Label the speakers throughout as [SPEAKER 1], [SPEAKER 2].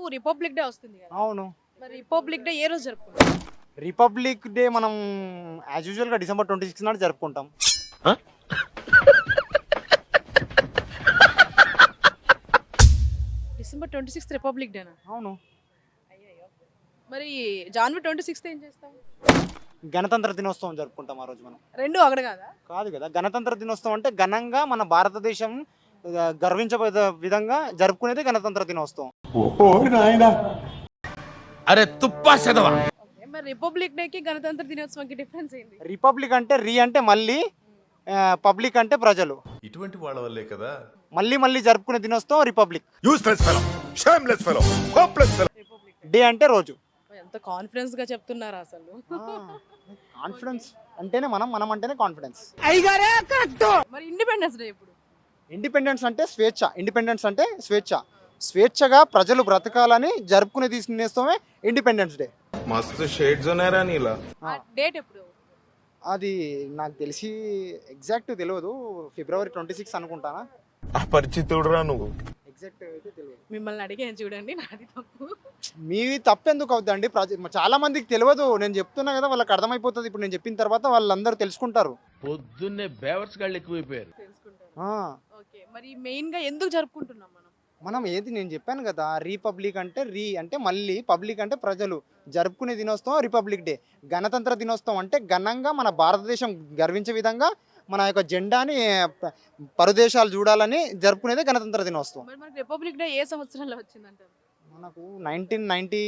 [SPEAKER 1] Republic day వస్తుంది కదా.
[SPEAKER 2] అవును.
[SPEAKER 1] మరి రిపబ్లిక్ డే ఏ రోజు జరుపుకుంటాం?
[SPEAKER 2] రిపబ్లిక్ డే మనం యాజ్ యూజువల్గా December 26 నాడు జరుపుకుంటాం.
[SPEAKER 1] December 26 రిపబ్లిక్ డేనా?
[SPEAKER 2] అవును.
[SPEAKER 1] మరి January 26 ఏం చేస్తాం?
[SPEAKER 2] గణతంత్ర దినోత్సవం జరుపుకుంటాం ఆ రోజు మనం.
[SPEAKER 1] రెండు ఒకటి కాదా?
[SPEAKER 2] కాదు కదా, గణతంత్ర దినోత్సవం అంటే ఘనంగా మన భారతదేశం గర్వించబడే విధంగా జరుపుకునేది గణతంత్ర దినోత్సవం.
[SPEAKER 3] అరే తుప్పా చదవా.
[SPEAKER 1] ఓకే, మరి రిపబ్లిక్ డేకి గణతంత్ర దినోత్సవంకి డిఫరెన్స్ ఏంది?
[SPEAKER 2] రిపబ్లిక్ అంటే అంటే మళ్ళీ, పబ్లిక్ అంటే ప్రజలు.
[SPEAKER 4] ఇటువంటి వాళ్ళ వల్లే కదా
[SPEAKER 2] మళ్ళీ మళ్ళీ జరుపుకునే దినోత్సవం republic.
[SPEAKER 4] Useless fellow, shameless fellow, hopeless fellow.
[SPEAKER 1] Republic
[SPEAKER 2] day అంటే రోజు.
[SPEAKER 1] ఎంత కాన్ఫిడెన్స్ గా చెప్తున్నారా అసలు?
[SPEAKER 2] కాన్ఫిడెన్స్ అంటేనే మనం అంటేనే కాన్ఫిడెన్స్.
[SPEAKER 1] మరి ఇండిపెండెన్స్ డే ఎప్పుడు?
[SPEAKER 2] ఇండిపెండెన్స్ అంటే స్వేచ్ఛ. ఇండిపెండెన్స్ అంటే స్వేచ్ఛ. స్వేచ్ఛగా ప్రజలు బ్రతకాలని జరుపుకునే దినోత్సవమే ఇండిపెండెన్స్ డే.
[SPEAKER 4] మస్తు షేడ్స్ ఉన్నారా నీలా.
[SPEAKER 1] డేట్ ఎప్పుడు?
[SPEAKER 2] అది నాకు తెలిసి ఎగ్జాక్ట్ తెలియదు. February 26 అనుకుంటానా.
[SPEAKER 4] అపరిచితుడురా నువ్వు.
[SPEAKER 2] ఎగ్జాక్ట్ అయితే తెలియదు.
[SPEAKER 1] మిమ్మల్ని అడిగాను చూడండి, నాది తప్పు.
[SPEAKER 2] మీది తప్పెందుకు అవుద్దండి? చాలా మందికి తెలియదు. నేను చెప్తున్నా కదా, వాళ్ళకి అర్థమైపోతుంది. ఇప్పుడు నేను చెప్పిన తర్వాత వాళ్ళందరూ తెలుసుకుంటారు.
[SPEAKER 3] పొద్దున్నే బేవర్స్ గాళ్ళు ఎక్కువైపోయారు.
[SPEAKER 1] తెలుసుకుంటారు.
[SPEAKER 2] ఆ,
[SPEAKER 1] ఓకే, మరి మెయిన్ గా ఎందుకు జరుపుకుంటున్నాం మనం?
[SPEAKER 2] మనం ఏది నేను చెప్పాను కదా, రిపబ్లిక్ అంటే అంటే మళ్ళీ, పబ్లిక్ అంటే ప్రజలు జరుపుకునే దినోత్సవం రిపబ్లిక్ డే. గణతంత్ర దినోత్సవం అంటే ఘనంగా మన భారతదేశం గర్వించే విధంగా మన యొక్క జెండాని పరదేశాలు చూడాలని జరుపుకునేదే గణతంత్ర దినోత్సవం.
[SPEAKER 1] మరి మనకి రిపబ్లిక్ డే ఏ సంవత్సరంలో వచ్చిందంటారు?
[SPEAKER 2] మనకు 1990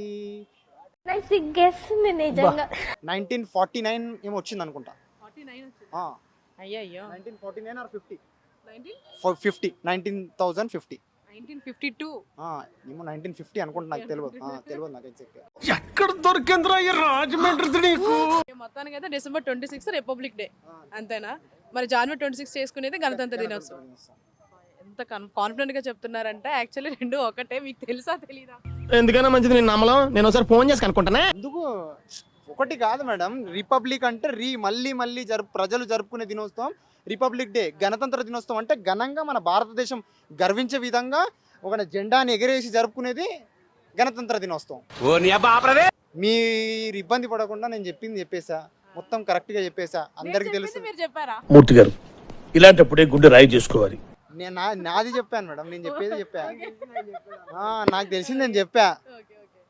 [SPEAKER 5] నాకు సిగ్గేస్తుంది నిజంగా.
[SPEAKER 2] 1949 ఏమో వచ్చింది అనుకుంటా.
[SPEAKER 1] 49 వచ్చింది.
[SPEAKER 2] ఆ,
[SPEAKER 1] అయ్యయ్యో.
[SPEAKER 2] 1949 or 50.
[SPEAKER 1] 1952.
[SPEAKER 2] 19,050.
[SPEAKER 1] 1952.
[SPEAKER 2] ఏమో 1950 అనుకుంటా, నాకు తెలియదు. తెలియదు నాకు ఎగ్జాక్ట్.
[SPEAKER 3] ఎక్కడ దొరికిందిరా ఈ రాజమండ్రి నీకు?
[SPEAKER 1] మొత్తానికి అయితే December 26 రిపబ్లిక్ డే అంతేనా? మరి January 26 చేసుకునేది గణతంత్ర దినోత్సవం. ఎంత కాన్ఫిడెంట్ గా చెప్తున్నారంటే యాక్చువల్లీ రెండు ఒకటే. మీకు తెలుసా తెలీదా?
[SPEAKER 3] ఎందుకైనా మంచిది నేను నమ్మలం. నేను ఒకసారి ఫోన్ చేసి కనుక్కుంటానే.
[SPEAKER 2] ఎందుకు ఒకటి కాదు మేడం. రిపబ్లిక్ అంటే మళ్ళీ మళ్ళీ ప్రజలు జరుపుకునే దినోత్సవం రిపబ్లిక్ డే. గణతంత్ర దినోత్సవం అంటే ఘనంగా మన భారతదేశం గర్వించే విధంగా ఒక జెండాని ఎగరేసి జరుపుకునేది గణతంత్ర దినోత్సవం. మీరు ఇబ్బంది పడకుండా నేను చెప్పింది చెప్పేసా, మొత్తం కరెక్ట్ గా చెప్పేసా, అందరికి
[SPEAKER 1] నేను
[SPEAKER 2] తెలుసు.
[SPEAKER 1] చెప్పింది మీరు చెప్పారా?
[SPEAKER 3] మూర్తి గారు ఇలాంటప్పుడే గుండె రాయి చేసుకోవాలి.
[SPEAKER 2] నేను నాది చెప్పాను మేడం, నేను చెప్పేది చెప్పా. నాకు తెలిసింది నేను చెప్పా.
[SPEAKER 1] ఓకే.